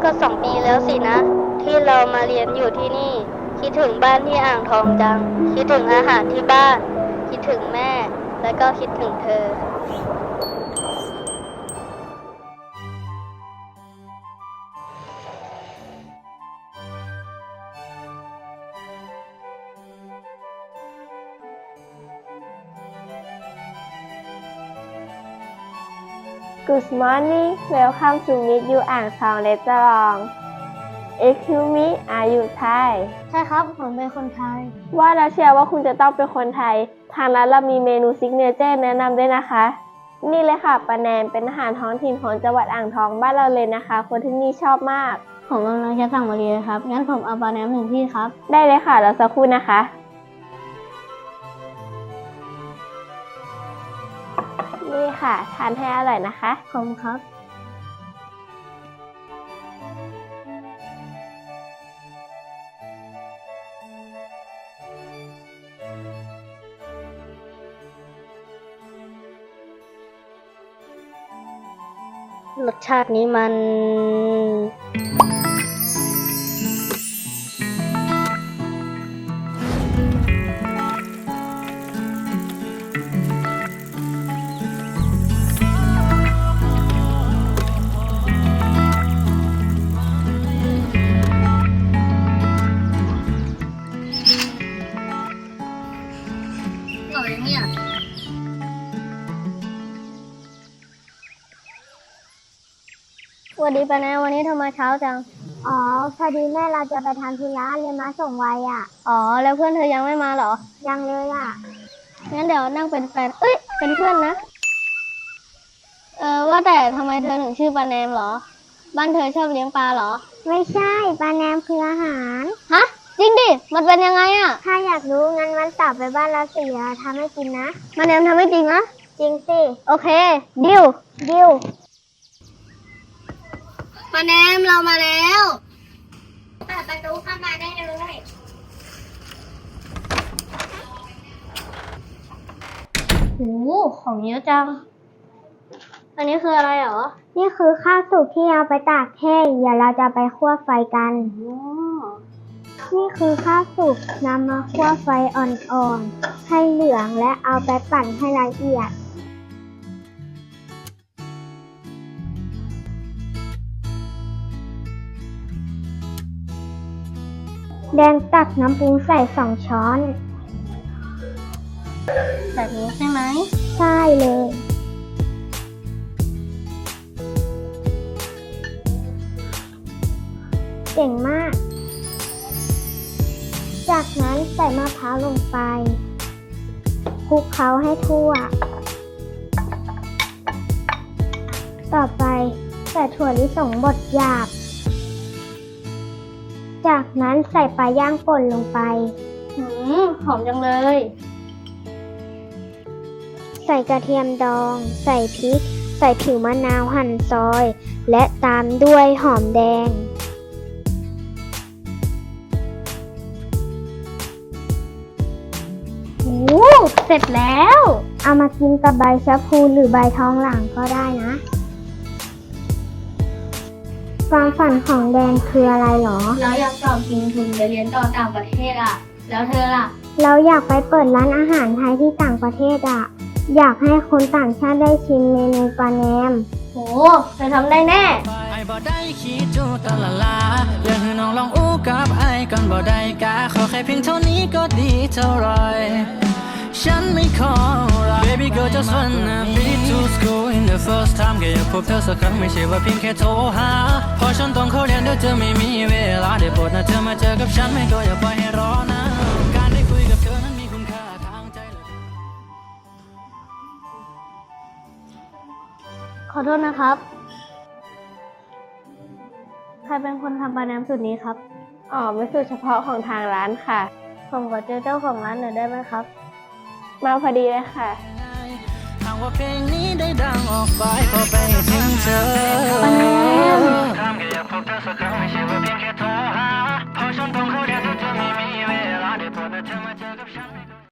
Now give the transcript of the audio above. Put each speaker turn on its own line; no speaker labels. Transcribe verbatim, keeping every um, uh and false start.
ก็สองปีแล้วสินะที่เรามาเรียนอยู่ที่นี่คิดถึงบ้านที่อ่างทองจังคิดถึงอาหารที่บ้านคิดถึงแม่และก็คิดถึงเธอ
Good morning welcome to meet you อ่างทองเรสตอรอง Excuse me are you Thai
ใช่ครับผมเป็นคนไทย
ว่าแล้วเชียร์ว่าคุณจะต้องเป็นคนไทยทางร้านเรามีเมนูซิกเนเจอร์แนะนำด้วยนะคะ นี่เลยค่ะปลาแหนมเป็นอาหารท้องถิ่นของจังหวัดอ่างทองบ้านเราเลยนะคะคนที่นี่ชอบมาก
ผมกำลังจะสั่งมาเรียนครับงั้นผมเอาปลาแหนมหนึ่งที่ครับ
ได้เลยค่ะรอสักครู่นะคะนี่ค่ะทานให้อร่อยนะคะ
ขอบคุณครับรสชาตินี้มันอร่อยเนี่ยสวัสดีป้าแนวันนี้ทำไมเช้าจัง
อ๋อพอดีแม่เราจะไปทำธุระเลยมาส่งไวอ่ะ
อ๋อแล้วเพื่อนเธอยังไม่มาเหรอ
ยังเลยอ่ะ
งั้นเดี๋ยวนั่งเป็นแฟนเอ้ยเป็นเพื่อนนะเออว่าแต่ทำไมเธอถึงชื่อปลาแนมเหรอบ้านเธอชอบเลี้ยงปลาเหรอ
ไม่ใช่ปลาแนมคืออาหาร
ฮะจริงดิมันเป็นยังไงอ่ะ
ถ้าอยากรู้งั้นวันเสาร์ไปบ้านเราสิเราทำให้กินนะ
ปลาแนมทำให้จริงนะ
จริงสิ
โอเคดิว
ดิว
ปลาแนมเรามาแล้ว
เปิดประตูเข้ามาได้เลย
โหของเยอะจังอันนี้คืออะไรเหรอ
นี่คือข้าวสุกที่เอาไปตากแห้งเดี๋ยวเราจะไปคั่วไฟกันนี่คือข้าวสุกนำมาคั่วไฟอ่อนๆให้เหลืองและเอาไปปั่นให้ละเอียดแดงตักน้ำปรุงใส่สองช้อน
แบบนี้ใช่ไหม
ใช่เลยเก่งมากจากนั้นใส่มะพร้าวลงไปคลุกเคล้าให้ทั่วต่อไปใส่ถั่วลิสงบดหยาบจากนั้นใส่ปลาย่างป่นลงไป
หืมหอมจังเลย
ใส่กระเทียมดองใส่พริกใส่ผิวมะนาวหั่นซอยและตามด้วยหอมแดง
โอ้เสร็จแล้ว
เอามากินกับใบชะพูหรือใบทองหลางก็ได้นะความฝันของแดนคืออะไรหรอ
เราอยากสอบชิงทุนไปเรียนต่อต่างประเทศอ่ะแล้วเธอล่ะ
เราอยากไปเปิดร้านอาหารไทยที่ต่างประเทศอ่ะอยากให้คนต่างชาติได้ชิมเมนูปลาแหนม
โหเธอทำได้แน่
ไอ้บ่ได้คิดจูตะละลาอยากให้น้องลองอู้กับไอ้ก่อนบ่ได้กะขอแค่เพียงเท่านี้ก็ดีเท่าไรฉันไม่ขออะไร Baby girl just wanna be to school in the first time แค่อยากพบเธอสักครั้งไม่ใช่ว่าเพียงแค่โทรหาพอฉันต้องเข้าเรียนเดี๋ยวเธอไม่มีเวลาได้โปรดนะเธอมาเจอกับฉันไม่ก็อย่าปล่อยให้รอนะการได้คุยกับเธอนั้นมีคุณค่าทางใจ
ขอโทษนะครับใครเป็นคนทำปลาแหนมสูตรนี้ครับ
อ๋อเป็นสูตรเฉพาะของทางร้านค่ะ
ผมขอเจอเจ้าของร้านหน่อยได้ไหมครับ
มาพอดีเลยค่ะ
หากว่าเพลงนี้ได้ดังออกไปก็ไปถึงเธอ
ปลาแหนม
ทำแค่อยากพบเธอสักครั้งไม่ใช่ว่าเพียงแค่โทรหาพอฉันต้องเข้าเรียนเธอไม่มี